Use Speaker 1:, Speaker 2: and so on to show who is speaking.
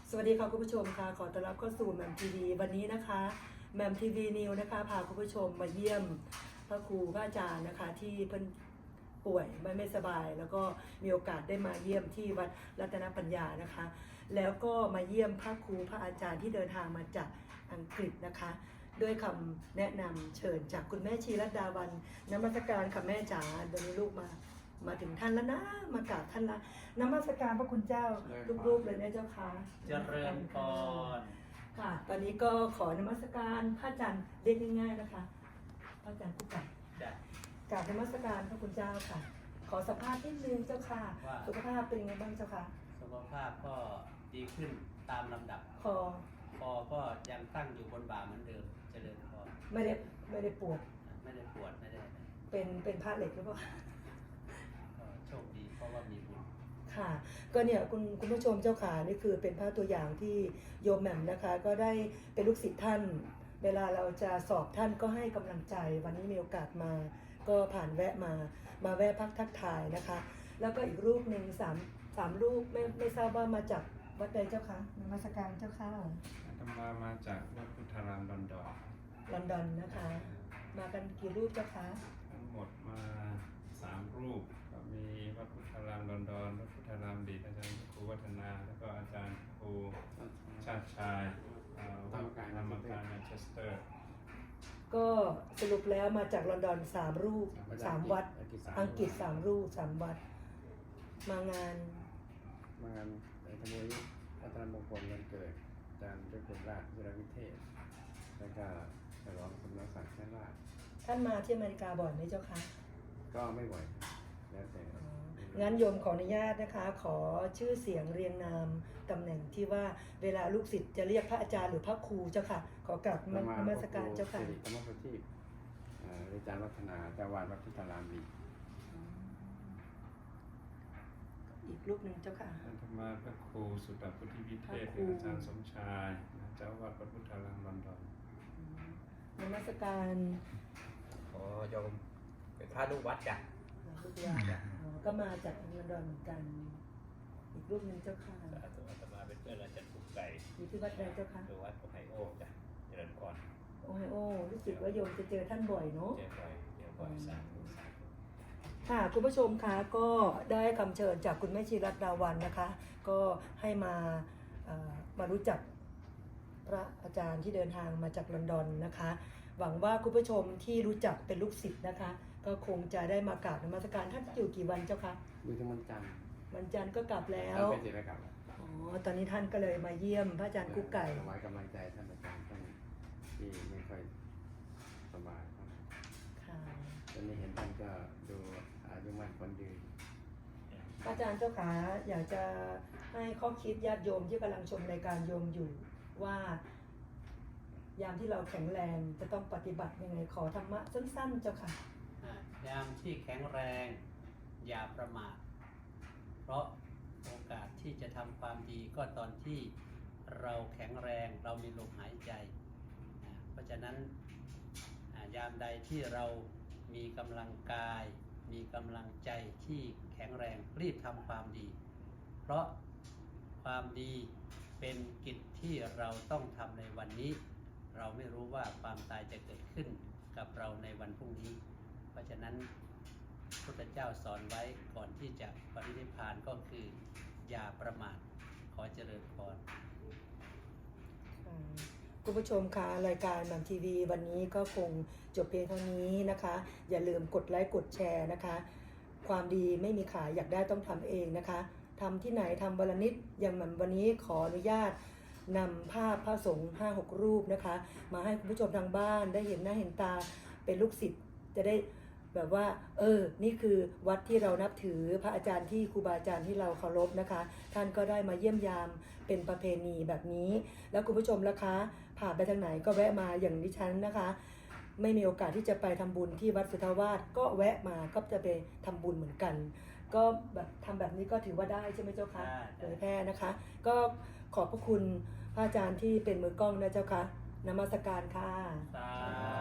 Speaker 1: สวัสดีค่ะคุณผู้ชมค่ะขอต้อนรับเข้าสู่แหม่มทีวีวันนี้นะคะแหม่มทีวีนิวนะคะพาคุณผู้ชมมาเยี่ยมพระครูพระอาจารย์นะคะที่เพิ่นป่วยไม่สบายแล้วก็มีโอกาสได้มาเยี่ยมที่วัดรัตนปัญญานะคะแล้วก็มาเยี่ยมพระครูพระอาจารย์ที่เดินทางมาจากอังกฤษนะคะด้วยคำแนะนำเชิญจากคุณแม่ชีรัตดาวันนมัสการค่ะแม่จ๋าเดี๋ยวนี้ลูกมาถึงท่านแล้วนะมากราบท่านละนมัสการพระคุณเจ้ารูปๆเลยนะเจ้าค่ะ
Speaker 2: เจริญพร
Speaker 1: ค่ะ ตอนนี้ก็ขอนมัสการพระอาจารย์เรียกง่ายๆนะคะพระอาจารย์กุ๊กไก่กราบนมัสการพระคุณเจ้าค่ะ ขอสัมภาษณ์นิดนึงเจ้าค่ะสุขภาพเป็นยังไงบ้างเจ้าค่ะ
Speaker 2: สุขภาพก็ดีขึ้นตามลำดับ
Speaker 1: คอ
Speaker 2: ก็ยังตั้งอยู่บนบ่าเหมือนเดิมเจริญพร
Speaker 1: ไม่ได้ปวด
Speaker 2: ไม่ได้ปวดไม่ได้
Speaker 1: เป็นผ้าเหล็กหรือเปล่า
Speaker 2: โชคดีเพราะว่ามีบุญ
Speaker 1: ค่ะก็เนี่ยคุณผู้ชมเจ้าขานี่คือเป็นภาพตัวอย่างที่โยมแหม่มนะคะก็ได้เป็นลูกศิษย์ท่านเวลาเราจะสอบท่านก็ให้กำลังใจวันนี้มีโอกาสมาก็ผ่านแวะมาแวะพักทักทายนะคะแล้วก็อีกรูปหนึ่งสามรูปไม่ทราบว่ามาจากวัดใดเจ้าคะนมัสการเจ้าค่ะ
Speaker 3: อาตมาจากวัดพุทธารามลอนดอน
Speaker 1: นะคะมากันกี่รูปเจ้าคะ
Speaker 3: ทั้งหมดมา3 รูปก็มีวัดพุทธารามลอนดอนวัดพุทธารามดีอาจารย์ครูวัฒนาแล้วก็อาจารย์ครูชาติชายวัดธรรมกายแมนเชสเตอร์
Speaker 1: ก็สรุปแล้วมาจากลอนดอน3 รูป3 วัดอังกฤษ3 รูป3 วัดมางาน
Speaker 4: ในขบวนวัฒนมงคลวันเกิดอาจารย์ด้วยคุณราชวิรวิเทศแล้วก็ฉลองคุณศักดิ์แท้ราช
Speaker 1: ท่านมาที่อเมริกาบ่อยไหมเจ้าคะ
Speaker 4: ก็ไม่บ่อยแล้วแต่
Speaker 1: งั้นโยมขออนุญาตนะคะขอชื่อเสียงเรียงนามตำแหน่งที่ว่าเวลาลูกศิษย์จะเรียกพระอาจารย์หรือพระครูเจ้าค่ะขอกราบนมัสการเจ้าค่ะ
Speaker 4: ธรรมปฏิอาจารย์วัฒนาเจ้าวาดวัดพุทธารามดี
Speaker 1: อีกรูปหนึ่งเจ้าค่ะ
Speaker 3: อาตมาพระครูสุตตพุทธิวิเทศอาจารย์สมชายเจ้าวาดวัดพุทธารามลอนดอน
Speaker 1: นมัสการ
Speaker 2: โอ้โยมเป็นพระลูกวัดจ้ะ
Speaker 1: ลูกวัดก็มาจากลอนดอนเหมือนกันอีกรูปหนึ่งเจ้าค่ะ
Speaker 2: อาตมาเป็นเพื่อนอาจารย์กุ๊กไก่
Speaker 1: อยู่ที่วัดใดเจ้าค่ะ
Speaker 2: คือวัดโอไฮโอจ้ะเจริญพร
Speaker 1: โอไฮโอรู้สึกว่าโยมจะเจอท่านบ่อยเนาะ
Speaker 2: เจอบ่อยสาธุ
Speaker 1: ค่ะคุณผู้ชมคะก็ได้คำเชิญจากคุณแม่ชีรัตดาวันนะคะก็ให้มารู้จักพระอาจารย์ที่เดินทางมาจากลอนดอนนะคะหวังว่าคุณผู้ชมที่รู้จักเป็นลูกศิษย์นะคะก็คงจะได้มากราบนมัสการท่านอยู่กี่วันเจ้าคะ
Speaker 4: อยู่ที่วันจันทร์
Speaker 1: ก็กลับแล้ว
Speaker 4: ไปเสร็จแล้วกลับ
Speaker 1: ตอนนี้ท่านก็เลยมาเยี่ยมพระอาจารย์กุ๊กไก่
Speaker 4: ถวายกำลังใจท่านอาจารย์ท่านที่ไม่ค่อยสบายค่ะตอนนี้เห็นท่านก็ดูอายุมั่นขวัญยืน
Speaker 1: อาจารย์เจ้าขาอยากจะให้ข้อคิดญาติโยมที่กำลังชมรายการโยมอยู่ว่ายามที่เราแข็งแรงจะต้องปฏิบัติยังไงขอธรรมะสั้นๆเจ้าค่ะ
Speaker 2: ยามที่แข็งแรงอย่าประมาทเพราะโอกาสที่จะทำความดีก็ตอนที่เราแข็งแรงเรามีลมหายใจเพราะฉะนั้นยามใดที่เรามีกำลังกายมีกำลังใจที่แข็งแรงรีบทำความดีเพราะความดีเป็นกิจที่เราต้องทำในวันนี้เราไม่รู้ว่าความตายจะเกิดขึ้นกับเราในวันพรุ่งนี้เพราะฉะนั้นพระพุทธเจ้าสอนไว้ก่อนที่จะปรินิพพานก็คืออย่าประมาทขอเจริญพร
Speaker 1: คุณผู้ชมคะรายการแหม่มทีวีวันนี้ก็คงจบเพียงเท่านี้นะคะอย่าลืมกดไลค์กดแชร์นะคะความดีไม่มีขายอยากได้ต้องทำเองนะคะทำที่ไหนทำวันละนิดอย่างเหมือนวันนี้ขออนุญาตนำภาพพระสงฆ์5-6 รูปนะคะมาให้คุณผู้ชมทางบ้านได้เห็นหน้าเห็นตาเป็นลูกศิษย์จะได้แบบว่านี่คือวัดที่เรานับถือพระอาจารย์ที่ครูบาอาจารย์ที่เราเคารพนะคะท่านก็ได้มาเยี่ยมยามเป็นประเพณีแบบนี้แล้วคุณผู้ชมล่ะคะผ่านไปทางไหนก็แวะมาอย่างดิฉันนะคะไม่มีโอกาสที่จะไปทำบุญที่วัดสุทธาวาสก็แวะมาก็จะไปทำบุญเหมือนกันก็แบบทำแบบนี้ก็ถือว่าได้ใช่ไหมเจ้าคะเผยแพร่นะคะก็ขอบพระคุณพระอาจารย์ที่เป็นมือกล้องนะเจ้าคะนมัสการค่ะ